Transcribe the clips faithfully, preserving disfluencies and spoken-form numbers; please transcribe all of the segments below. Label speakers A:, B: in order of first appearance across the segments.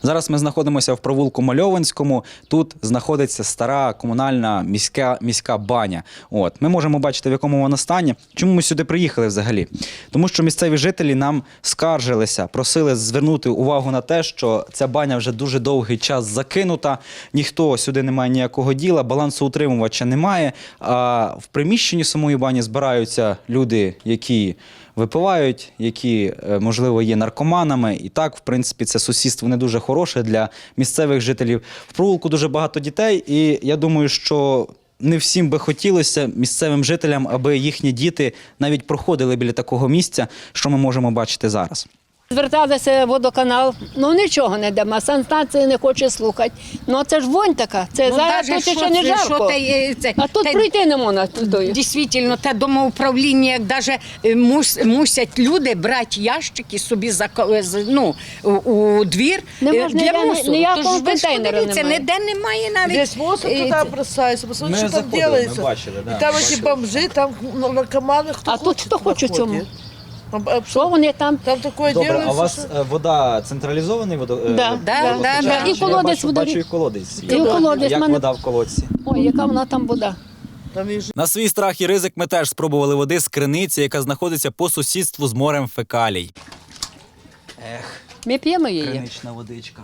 A: Зараз ми знаходимося в провулку Мальованському. Тут знаходиться стара комунальна міська, міська баня. От. Ми можемо бачити, в якому вона стані. Чому ми сюди приїхали взагалі? Тому що місцеві жителі нам скаржилися, просили звернути увагу на те, що ця баня вже дуже довгий час закинута, ніхто сюди не має ніякого діла, балансоутримувача немає, а в приміщенні самої бані збираються люди, які випивають, які, можливо, є наркоманами. І так, в принципі, це сусідство не дуже хороше для місцевих жителів. В провулку дуже багато дітей, і я думаю, що не всім би хотілося місцевим жителям, аби їхні діти навіть проходили біля такого місця, що ми можемо бачити зараз.
B: Зверталися в водоканал, ну нічого не дамо, санстанція не хоче слухати. Ну це ж вонь така, це
C: Ну,
B: зараз
C: даже
B: тут
C: що
B: ще не
C: це,
B: жарко,
C: що те, це,
B: а тут
C: те,
B: пройти не можна. Туди.
C: Дійсно, те домоуправління, як даже мус, мусять люди брати ящики собі за, ну, у, у двір
B: Не
C: е,
B: можна,
C: для
B: ні-
C: мусору.
B: ніякого
C: Тож ви ж
B: контейнера
C: подивіться,
B: немає.
C: ніде немає навіть.
D: Весь мусор
C: е,
D: туда
C: це-
D: бросается, посмотрите,
A: Мы
D: что там
A: заходили, мы
D: делается.
A: бачили, да,
D: И там
A: мы
D: эти
A: бачили.
D: бомжи, там ну, наркоманы, кто
B: А тут кто хочет
D: на входе.
B: цьому?
D: А, а
B: Що вони там?
D: Там такое
A: Добре,
D: делается,
A: а у вас
D: что-
A: е, вода централізований водо... е,
B: Да,
C: да,
A: водопостачання?
C: да, да.
B: І колодець
A: я бачу,
B: водорі-
A: бачу і колодець.
B: І колодець
A: Як
B: мене-
A: вода в колодці?
B: Ой, яка вона там вода.
D: там и
A: На свій страх і ризик ми теж спробували води з криниці, яка знаходиться по сусідству з морем фекалій. Ех,
B: Ми п'ємо її.
A: кринична водичка.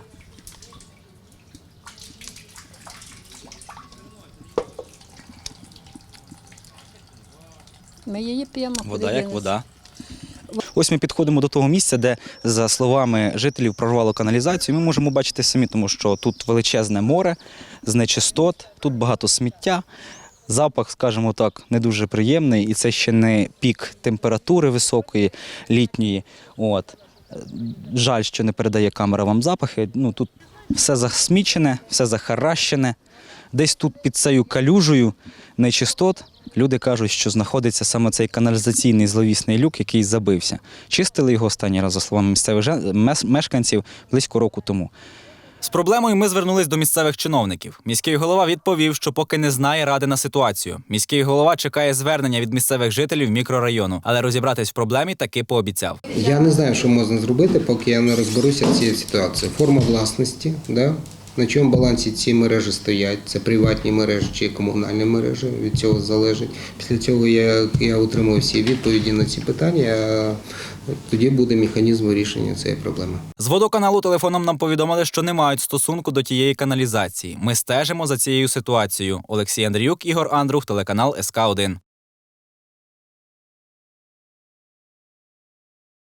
B: Ми її п'ємо.
A: Вода
B: Куди
A: як
B: дінеться?
A: вода. Ось ми підходимо до того місця, де, за словами жителів, прорвало каналізацію. Ми можемо бачити самі, тому що тут величезне море з нечистот, тут багато сміття. Запах, скажімо так, не дуже приємний, і це ще не пік температури високої, літньої. От. Жаль, що не передає камера вам запахи. Ну, тут все засмічене, все захаращене. Десь тут під цією калюжею нечистот люди кажуть, що знаходиться саме цей каналізаційний зловісний люк, який забився. Чистили його останній раз, за словами місцевих жен- мес- мешканців, близько року тому. З проблемою ми звернулись до місцевих чиновників. Міський голова відповів, що поки не знає ради на ситуацію. Міський голова чекає звернення від місцевих жителів мікрорайону, але розібратись в проблемі таки пообіцяв.
E: Я не знаю, що можна зробити, поки я не розберуся в цій ситуації. Форма власності, да? На чому балансі ці мережі стоять, це приватні мережі чи комунальні мережі, від цього залежить. Після цього я, я отримую всі відповіді на ці питання, а тоді буде механізм вирішення цієї проблеми.
A: З водоканалу телефоном нам повідомили, що не мають стосунку до тієї каналізації. Ми стежимо за цією ситуацією. Олексій Андріюк, Ігор Андрух, телеканал ес ка один.